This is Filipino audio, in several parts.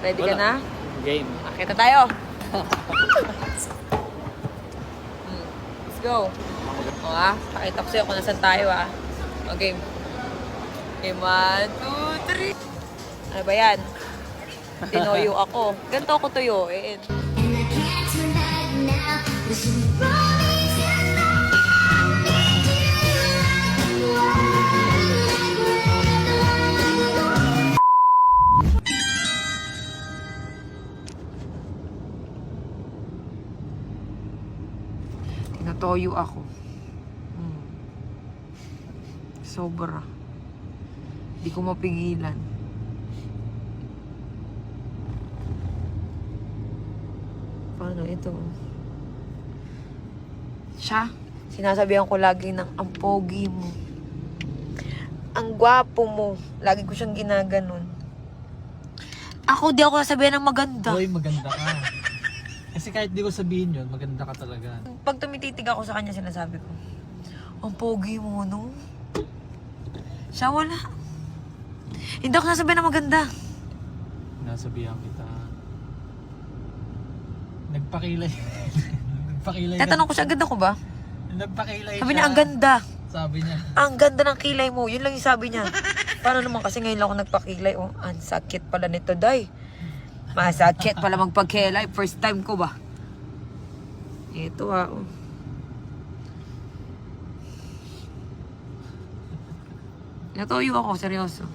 Ready ka na? Game. Akita tayo. Let's go. O pakita ko sa'yo kung nasan tayo Okay. Okay, 1, 2, 3. Ano ba yan? Tinoyo ako. Ganito ako tuyuin. Tinatoyo ako. Sobra. Di ko mapigilan. Paano ito? Siya, sinasabihan ko lagi ng ang pogi mo. Ang gwapo mo. Lagi ko siyang ginaganon. Ako, di ako sasabihan ng maganda. Hoy, maganda ka. Kasi kahit di ko sabihin yun, maganda ka talaga. Pag tumititig ako sa kanya, sinasabi ko, ang pogi mo, no? Siya wala. Hindi ako nasabihan ng maganda. Nasabihan kita. Nagpakilay. Nagpakilay. Tatanong ko siya, ang ganda ko ba? Nagpakilay Sabi niya, ang ganda. Sabi niya. Ang ganda ng kilay mo. Yun lang yung sabi niya. Paano naman kasi ngayon lang ako nagpakilay. Oh, ang sakit pala nito, day. Masakit pala magpagkilay. First time ko ba? Ito oh. Natuyo ako, seryoso.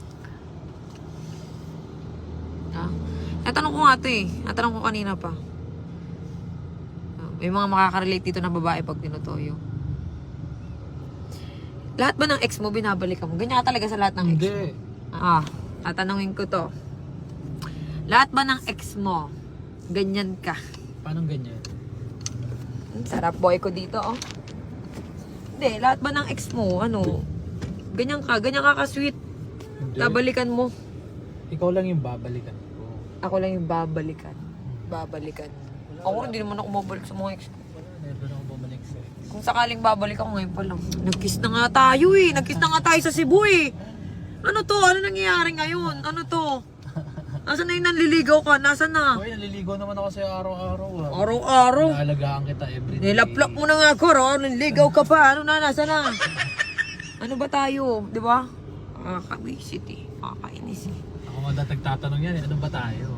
Natanong ko nga ito Natanong ko kanina pa. May mga makaka-relate dito na babae pag tinutoyo. Lahat ba ng ex mo binabalikan mo? Ganyan ka talaga sa lahat ng ex mo? Hindi. Tatanungin ko to. Lahat ba ng ex mo, ganyan ka? Paano ganyan? Sarap boy ko dito, Hindi, lahat ba ng ex mo, ganyan ka ka-sweet. Hindi. Babalikan mo. Ikaw lang yung babalikan ko. Ako lang yung babalikan. Babalikan. Ako hindi naman ako mabalik sa mga ex ko. Never ako bumalik sa ex. Kung sakaling babalik ako ngayon pa lang. Nag-kiss na nga tayo Nag-kiss na nga tayo sa Cebu Ano to? Ano nangyayari ngayon? Ano to? Nasaan na yung nanliligaw ka? Nasaan na? Hoy, naliligaw naman ako sa'yo araw-araw. Araw-araw. Naalagaan kita everyday. Nilaplak mo na nga ako, nanligaw ka pa. Ano na? Nasaan na? Ano ba tayo? Di ba? Kakawisit Kakainis Ako nga dati nagtatanong yan Ano ba tayo?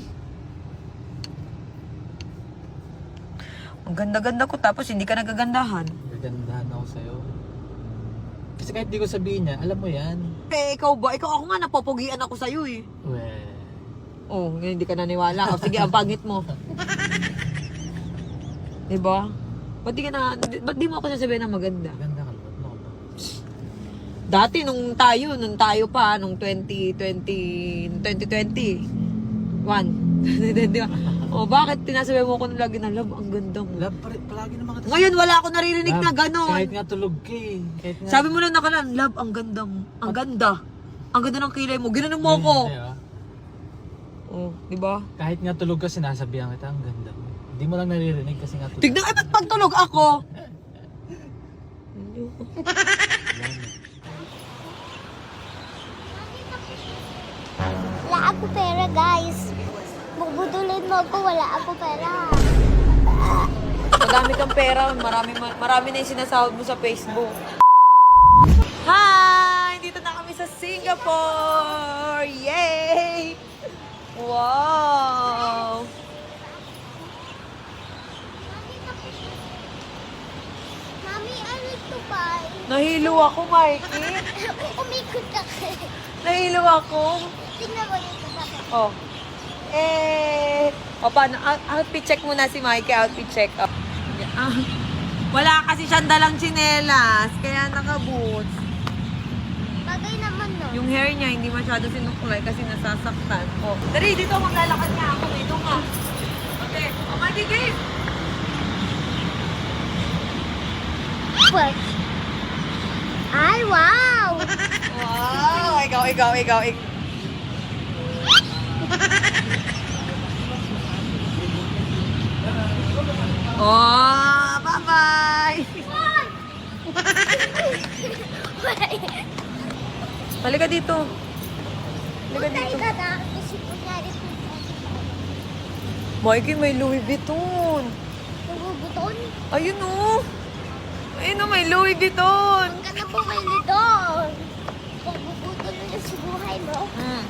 Ang ganda-ganda ko tapos hindi ka nagagandahan. Gagandahan ako sa'yo. Kasi kahit di ko sabihin niya, alam mo yan. Ikaw ba? Ako nga napopogian ako sa'yo Weh. Hindi ka naniwala. Sige, ang pangit mo. Diba? Ba't di mo ako sasabihin na maganda? Ganda ka naman. No. Dati nung tayo pa, nung 2021. Bakit tinasabi mo ko lagi na love, ang ganda mo? Love, palagi naman kita. Ngayon wala ako naririnig na gano'n. Kahit nga tulog ka Kahit nga... Sabi mo lang nakalan, love, ang ganda mo. Ang ganda. Ang ganda ng kilay mo. Ginanon mo ako. Di ba? Kahit nga tulog ka, sinasabihan kita, ang ganda mo. Hindi mo lang naririnig kasi nga tulog. Tignan, ba't pagtulog ako? Wala ako pera, guys. Bubudulin mo ako, wala ako pera. Madami kang pera. Marami na yung sinasahod mo sa Facebook. Hi! Dito na kami sa Singapore! Yay! Wow! Mami, ano ito ba? Nahilo ako, Mikey. Umikot ka. Nahilo ako. Tingnan mo yung sasakyan. Paano? Outfit check muna si Mikey. Outfit check. Wala kasi siyang dalang tsinelas. Kaya naka-boots. Bagay naman, no? Yung hair niya hindi masyado sinukulay kasi nasasaktan. Dari, dito maglalakad nga ako. Dito nga. Okay. Mikey, game! What? Ay, wow! Wow! Ikaw. Bye-bye! Halika dito. Halika Punta dito. ka na. Kasi kunyari Mikey, may Louis Vuitton. Naguguton. Ayun o. Ayun o, may Louis Vuitton. Huwag ka na bumili doon. Maguguton mo na sa buhay mo. Hmm.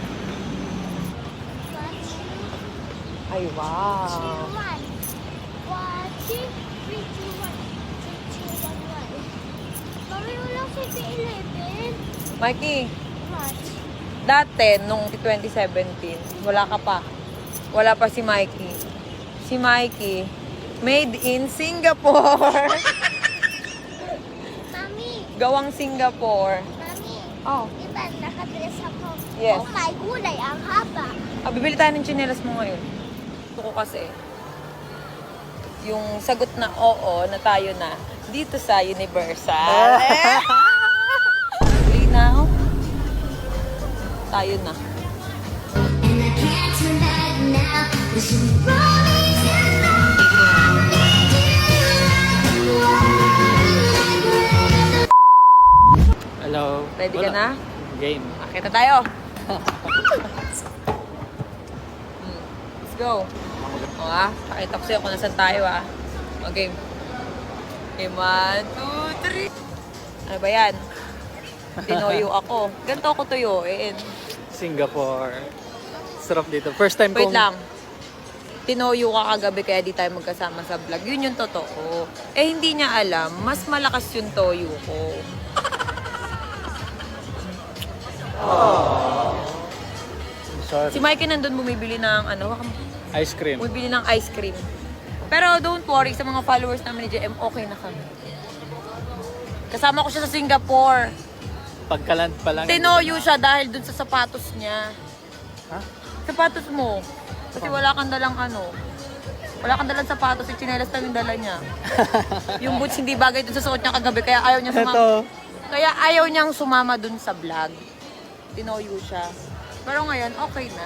Watch. Ay, wow. 1, 2, 3, 2, 1. 3, 2, 1, 1. Mami, walang 7-Eleven. Mikey, Watch. dati, nung 2017, wala ka pa. Wala pa si Mikey. Si Mikey, made in Singapore. Mami, Gawang Singapore. Mami. Oh. Di ba nakadress ako? Yes. Oh my gulay, ang haba. Bibili tayo ng tsinelas mo ngayon. Gusto ko kasi, yung sagot na oo, na tayo na, dito sa Universal. Linaw. Tayo na. And I can't turn back now. This is rolling Hello. Ready ka na? Game. Akita tayo. Let's go. O pakita ko sa'yo kung nasan tayo Okay. Okay, 1, 2, 3. Ano ba yan? Tinoyo ako. Ganito ako tuyuin. Singapore. Sarap dito. First time Wait kong... lang. Tinoyo ka kagabi kaya di tayo magkasama sa vlog. Yun yung totoo. Eh hindi niya alam, mas malakas yung toyo ko. Sorry. Si Mikey nandun bumibili ng Ice cream. bumibili ng ice cream. Pero don't worry, sa mga followers namin ni JM, okay na kami. Kasama ko siya sa Singapore. Pagkaland pa lang. Tinoyo siya dahil dun sa sapatos niya. Ha? Sapatos mo. Kasi wala kang dalang wala kang dalang sapatos, yung tsinelas lang yung dala niya. Yung boots hindi bagay dun sa suot niya kagabi, kaya ayaw niya sumama. Ito. Kaya ayaw niyang sumama dun sa vlog. Tinoyo siya. Pero ngayon, okay na.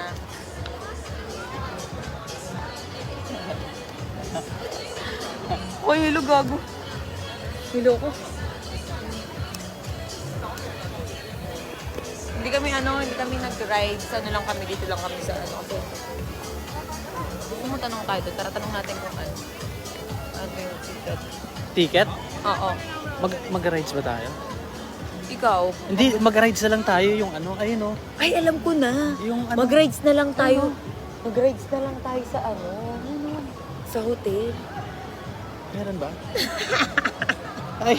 Uy, hilo gago. Hilo ko. Hindi kami nag-ride. Sa lang kami, dito lang kami sa Kasi gusto mo tanong tayo doon. Tara, tanong natin kung ano. Ano yung ticket? Ticket? Oo. Mag-rides ba tayo? Ikaw? Hindi, mag-rides na lang tayo yung ayun oh. Ay, alam ko na. Yung Mag-rides na lang tayo. Mag-rides na lang tayo sa sa hotel. Meron ba? Ay.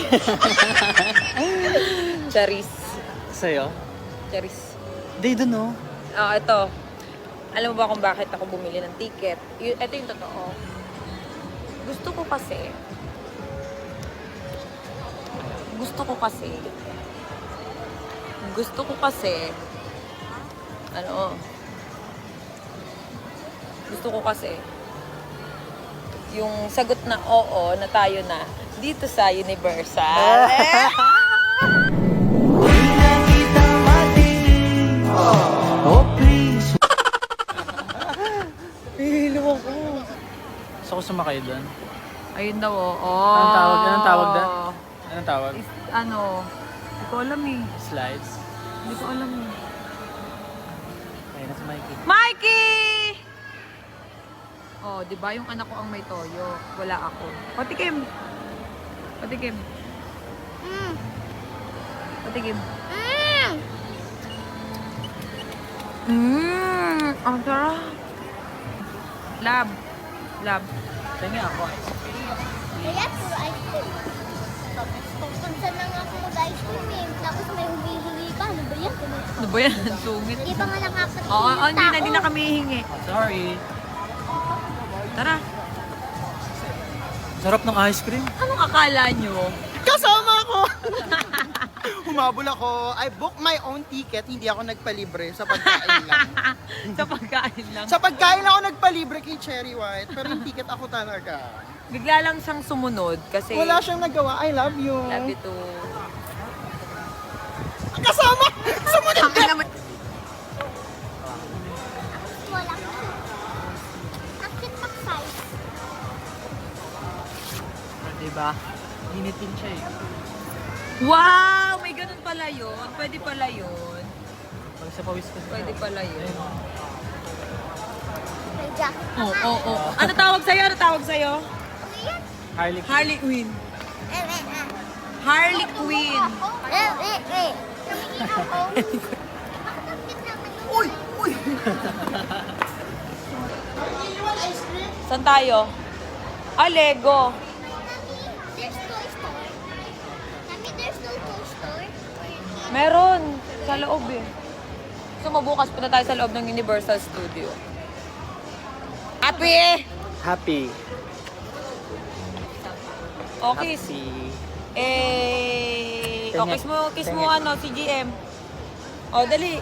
Charis. Sa'yo? Charis. Di dun oh. Ito. Alam mo ba kung bakit ako bumili ng ticket? Ito yung totoo. Gusto ko kasi gusto ko kasi yung sagot na oo na tayo na dito sa Universal. Oh, please. Hilo ako. Gusto ko sumakay doon. Ayun daw, Anong tawag? Anong tawag doon? Anong tawag? Hindi ko alam eh. Slides. Hindi ko alam eh. Ayun na si Mikey. Mikey! Oh, di ba yung anak ko ang may toyo? Wala ako. Patikim. Patikim. Patikim. Ang sarap. Lab. Tingin ako. Kaya puro ice cream. Kung saan na nga ako mag-ice cream eh. Tapos may humihingi pa. Ano ba yan? Ano ba yan? Ang sungit. Di ba nga nakakatingin Oo, yung hindi na tao? kami hihingi. Sorry. Tara. Sarap ng ice cream. Anong akala nyo? Kasama ko! Humabol ako. I booked my own ticket. Hindi ako nagpalibre sa pagkain lang. Sa pagkain lang. Sa pagkain ako nagpalibre kay Cherry White. Pero yung ticket ako talaga. Bigla lang siyang sumunod kasi Wala siyang nagawa. I love you. love you too. Kasama! Sumunod! Ang naman. Wala. Akit pak size. Diba? Initin siya eh. Wow! May ganun pala yun. Pwede pala yun. Pag sa pawis ko. Pwede pala yun. Pwede jacket. Oo. Ano tawag sa'yo? Ano tawag sa'yo? Harley. Harley Quinn. Harley Quinn. Uy! Uy! Saan tayo? Ah, Lego. There's Toy Store. Mami, there's no Toy Store. Meron. Sa loob eh. So, mabukas punta tayo sa loob ng Universal Studio. Happy! Happy. Okay. Kiss mo ano, si GM. O, dali.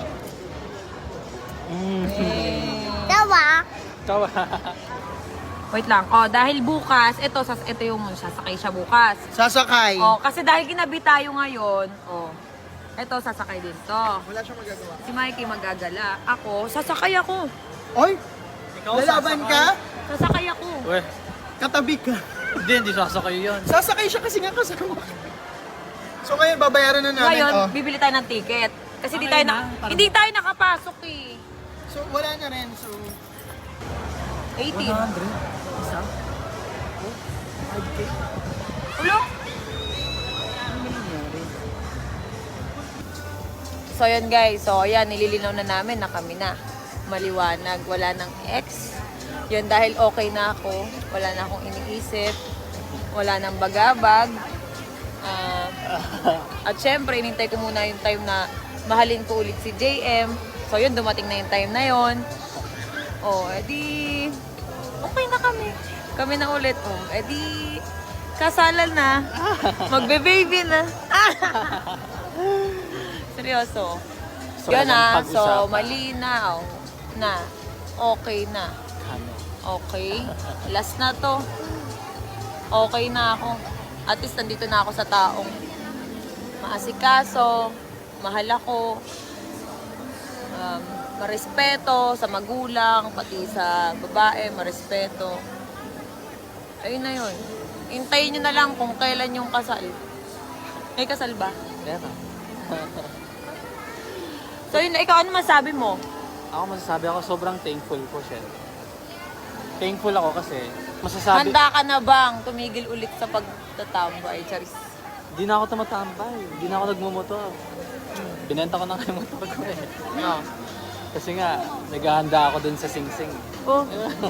Tawa. Tawa. Wait lang. O, dahil bukas, ito yung sasakay siya bukas. Sasakay. O, kasi dahil ginabi tayo ngayon, ito, sasakay din to. Wala siyang magagawa. Si Mikey magagala. Ako, sasakay ako. Oy! Lalaban ka? Sasakay ako. Weh. Katabi ka. Hindi sasakay yun. Sasakay siya kasi nga kasama. So ngayon, babayaran na namin. Ngayon, Oh. bibili tayo ng ticket. Kasi Okay na, parang- hindi tayo nakapasok eh. So wala na rin. So, 18. 100. Isa? 5K? Ulo? So yun guys, so ayan, nililinaw na namin na kami na. Maliwanag, wala ng ex. Yun dahil okay na ako, wala na akong iniisip, wala nang bagabag. At syempre, inintay ko muna yung time na mahalin ko ulit si JM. So yun, dumating na yung time na yun. Edi, okay na kami. Kami na ulit. Edi, kasalan na. Magbe-baby na. Seryoso. So, Yun walang so pag-usapan. malinaw na. Okay na. Ano? Okay. Last na to. Okay na ako. At least nandito na ako sa taong maasikaso, mahal ako, marespeto sa magulang, pati sa babae, marespeto. Ayun na yun. Hintayin nyo na lang kung kailan yung kasal. May kasal ba? Meron. So yun, ikaw ano masabi mo? Ako masasabi ako, sobrang thankful ko siya. Thankful ako kasi masasabi... Handa ka na bang tumigil ulit sa pagtatambay? Charis. Hindi na ako tumatambay. Hindi na ako nagmumotor. Binenta ko na yung motor ko eh. No. Kasi nga, naghahanda ako dun sa Sing Sing. Oh.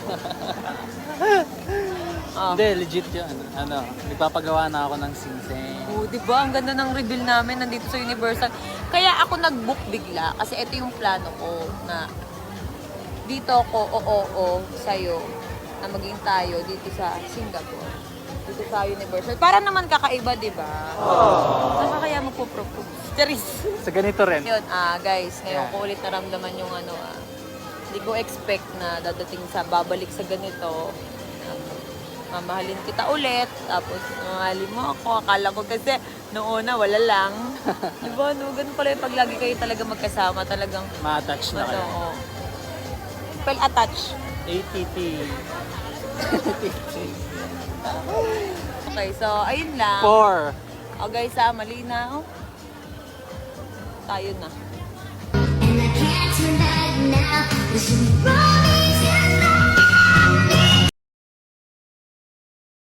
Hindi, legit yun. Nagpapagawa na ako ng Sing Sing. Oh, di ba? Ang ganda ng reveal namin nandito sa Universal. Kaya ako nag-book bigla kasi ito yung plano ko na dito ako sa'yo na maging tayo dito sa Singapore. Dito sa Universal. Para naman kakaiba, di ba? Saka kaya magpo-propose. Charis. Sa ganito rin. Yun, guys, ngayon ko ulit naramdaman yung hindi ko expect na dadating sa babalik sa ganito. Mamahalin kita ulit, tapos mamahalin mo ako. Akala ko kasi noong una wala lang. Diba, no? Ganun pala yung pag lagi kayo talaga magkasama, talagang Ma-attach na kayo. Well attached. ATT. Okay, so ayun lang. 4. O guys, malinaw. Tayo na. And I can't turn back now. Listen,